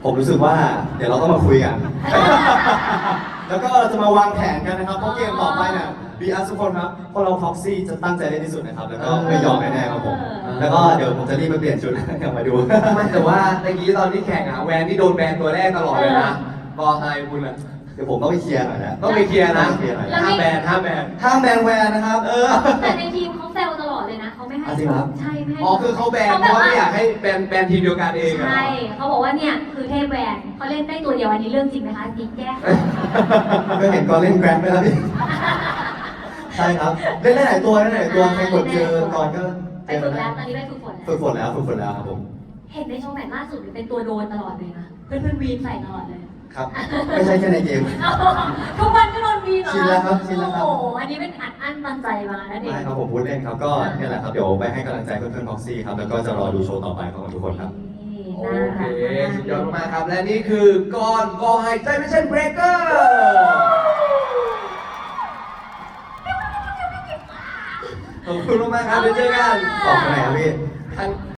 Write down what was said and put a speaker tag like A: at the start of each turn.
A: ผมรู้สึกว่าเดี๋ยวเราต้องมาคุยกัน แล้วก็จะมาวางแผนกันนะครับเพราะเกมต่อไปเนี่ยบีอาร์ทุกคนครับพวกเราพ็อกซี่จะตั้งใจเล่นที่สุดนะครับแล้วก็ไม่ยอมแน่ๆครับผมแล้วก็เดี๋ยวผมจะรีบไปเปลี่ยนชุด กลับมาดู
B: ไม่แต่ว่าตะกี้ตอนที่แข่งอะแวนนี่โดนแบนตัวแรกตลอดเลยนะบอไฮคุณอะ
A: เดี๋ยวผมต้องไปเคลียร์หน่อยนะ
B: ต้องไปเคลียร์นะ
A: ต้องไปเคลียร์หน่อย
B: ห้ามแบนห้ามแบน
A: ห้ามแบนแวนนะครับ
C: แต่ในทีมเขาแซวตลอดเลยนะเขาไม่ให้
A: จริงครับ
C: ใช่ไม่ให้
B: อ๋อคือเขาแบนเพราะว่าไม่อยากให้แบนทีมเดียวกันเองอะ
C: ใช่เขาบอกว่าเนี่ยคือเทพแวนเขาเล่นได้ตัวเดียวอันนี้เรื่องจริงไหมคะจริงแก้
A: ก็เห็นก่อนเล่นแกรนด์ไปแล้วพี่ใช่ครับเล่นได้หลายตัวใครกดเจอก่อนก็
C: ไปฝึกแล้วตอนนี้ไปฝึกฝน
A: ฝึกฝนแล้วครับผม
C: เห็นในช่องแมตช์ล่าสุดเป็นตัวโดนตลอดเลยนะเพื่อนวีนใส่ตลอดเลย
A: ครับไม่ใช่แค่ในเกม
C: ทุกวันก็โดนวีนเหรอ
A: ชินแล้วครับชินแล้วครับ
C: โอ้โหอันนี้เป็นอัดอั้นตันใจมาแล้วเด็ก
A: ไม่ครับผมพูดเล่นครับก็เนี่ยแหละครับเดี๋ยวไปให้กำลังใจเพื่อนๆพ็อกซี่ครับแล้วก็จะรอดูโชว์ต่อไปของทุกคนครับ
B: โอเคสุดยอดมากครับและนี่คือก้อนก็หายใจไม่ใช่เบรกเกอร์ขอบคุณมากๆครับเดี๋ยวเจอกัน
A: ออกไปไหนครับพี่
B: ทาง